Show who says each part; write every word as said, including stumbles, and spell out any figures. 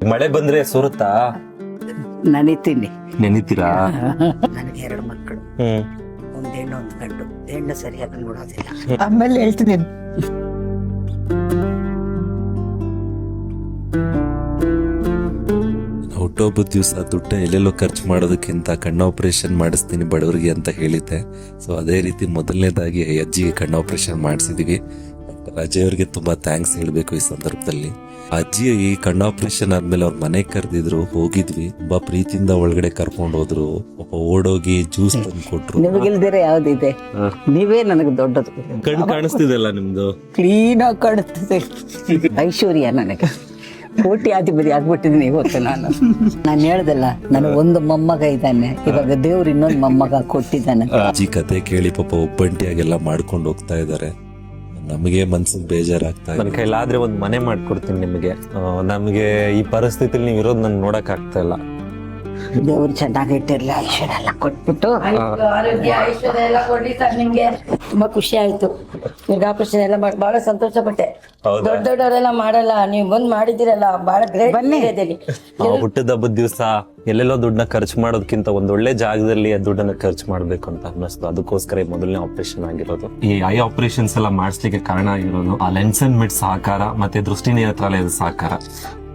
Speaker 1: ಮಳೆ ಬಂದ್ರೆ ಸುರುತ್ತಾ?
Speaker 2: ನನಿತೀನಿ.
Speaker 1: ನೆನಿತೀರಾ?
Speaker 2: ನನಗೆ ಎರಡು ಮಕ್ಕಳು,
Speaker 1: ಹ್ಮ್
Speaker 2: ಒಂದ್ ಹೆಣ್ಣು ಒಂದ್ ಗಂಡು. ಹೆಣ್ಣು ಸರಿಯಾಗಿ ನೋಡೋದಿಲ್ಲ.
Speaker 3: ಆಮೇಲೆ ಹೇಳ್ತೀನಿ.
Speaker 4: ಹುಟ್ಟೊಬ್ಬದ ದಿವಸ ದುಡ್ಡ ಎಲ್ಲೆಲ್ಲೋ ಖರ್ಚು ಮಾಡೋದಕ್ಕಿಂತ ಕಣ್ಣು ಆಪರೇಷನ್ ಮಾಡಿಸ್ತೀನಿ ಬಡವರಿಗೆ ಅಂತ ಹೇಳಿದ್ದೆ. ಸೊ ಅದೇ ರೀತಿ ಮೊದಲನೇದಾಗಿ ಅಜ್ಜಿಗೆ ಕಣ್ಣು ಆಪರೇಷನ್ ಮಾಡಿಸಿದೀವಿ. ಡಾಕ್ಟರ್ ಅಜಯ್ ಅವ್ರಿಗೆ ತುಂಬಾ ಥ್ಯಾಂಕ್ಸ್ ಹೇಳ್ಬೇಕು ಈ ಸಂದರ್ಭದಲ್ಲಿ. ಅಜ್ಜಿ ಈ ಕಣ್ಣು ಆಪರೇಷನ್ ಆದ್ಮೇಲೆ ಅವ್ರ ಮನೆಗೆ ಕರೆದಿದ್ರು, ಹೋಗಿದ್ವಿ. ತುಂಬಾ ಪ್ರೀತಿಯಿಂದ ಒಳಗಡೆ ಕರ್ಕೊಂಡು ಹೋದ್ರು. ಪಾಪ ಓಡೋಗಿ ಜ್ಯೂಸ್ ತಂದು ಕೊಟ್ರು.
Speaker 2: ನಿಮಗಿಲ್ದಿರ ಯಾವ್ದಿದೆ? ನೀವೇ ನನಗೆ ದೊಡ್ಡದು.
Speaker 1: ಕಣ್ಣು ಕಾಣಿಸ್ತಿದೆಲ್ಲ ನಿಮ್ದು,
Speaker 2: ಕ್ಲೀನ್ ಆಗಿ ಕಾಣುತ್ತದೆ. ಐಶ್ವರ್ಯ ನನಗೆ. ಕೋಟಿ ಅಧಿಪತಿ ಆಗ್ಬಿಟ್ಟಿದ್ದೀನಿ ಇವತ್ತು ನಾನು. ನಾನು ಹೇಳ್ದಲ್ಲ, ನನಗೆ ಒಂದು ಮೊಮ್ಮಗ ಇದ್ದಾನೆ, ಇವಾಗ ದೇವ್ರು ಇನ್ನೊಂದು ಮೊಮ್ಮಗ ಕೊಟ್ಟಿದ್ದಾನೆ.
Speaker 4: ಅಜ್ಜಿ ಕತೆ ಕೇಳಿ ಪಾಪ ಒಬ್ಬಂಟಿಯಾಗೆಲ್ಲ ಮಾಡ್ಕೊಂಡು ಹೋಗ್ತಾ ಇದ್ದಾರೆ. ನಮಗೆ ಮನ್ಸಿಗೆ ಬೇಜಾರಾಗ್ತಾ
Speaker 1: ನನ್ನ
Speaker 4: ಇದೆ.
Speaker 1: ಕೈಲಾದ್ರೆ ಒಂದ್ ಮನೆ ಮಾಡ್ಕೊಡ್ತೀನಿ ನಿಮಗೆ. ನಮಗೆ ಈ ಪರಿಸ್ಥಿತಿಲಿ ನೀವು ಇರೋದು ನನ್ಗೆ ನೋಡಕ್ ಆಗ್ತಾ ಇಲ್ಲ.
Speaker 2: ದೇವ್ರು ಚೆನ್ನಾಗಿಟ್ಟಿರ್ಲಿ, ಐಶ್ವರ್ಯ ಎಲ್ಲ ಕೊಟ್ಬಿಟ್ಟು.
Speaker 3: ಆರೋಗ್ಯ ಐಶ್ವರ್ಯ ಎಲ್ಲ ಕೊಡ್ಲಿ ಸರ್ ನಿಮ್ಗೆ. ತುಂಬಾ ಖುಷಿ ಆಯ್ತು. ಈಗ ಆಪರೇಷನ್ ಎಲ್ಲ ಮಾಡಿ ಬಹಳ ಸಂತೋಷ ಪಟ್ಟೆ.
Speaker 1: ಹೌದಾ?
Speaker 3: ದೊಡ್ಡ ದೊಡ್ಡವರೆಲ್ಲ ಮಾಡಲ್ಲ, ನೀವು ಬಂದ್ ಮಾಡಿದಿರಲ್ಲ, ಬಹಳ ಗ್ರೇಟ್.
Speaker 2: ಬನ್ನಿ.
Speaker 1: ಹುಟ್ಟದ ಹಬ್ಬದ ದಿವಸ ಎಲ್ಲೆಲ್ಲೋ ದುಡ್ಡನ್ನ ಖರ್ಚು ಮಾಡೋದಕ್ಕಿಂತ ಒಂದ್ ಒಳ್ಳೆ ಜಾಗದಲ್ಲಿ ಆ ದುಡ್ಡನ್ನ ಖರ್ಚು ಮಾಡ್ಬೇಕು ಅಂತ ಅನ್ನಿಸ್ತು. ಅದಕ್ಕೋಸ್ಕರ ಈ ಮೊದಲನೇ ಆಪರೇಷನ್ ಆಗಿರೋದು. ಈ ಐ ಆಪರೇಷನ್ಸ್ ಎಲ್ಲ ಮಾಡಿಸ್ಲಿಕ್ಕೆ ಕಾರಣ ಆಗಿರೋದು ಆ ಲೆನ್ಸ್ ಅಂಡ್ ಮಿಡ್ ಸಹಕಾರ ಮತ್ತೆ ದೃಷ್ಟಿ ನೇತ್ರಾಲಯದ ಸಹಕಾರ.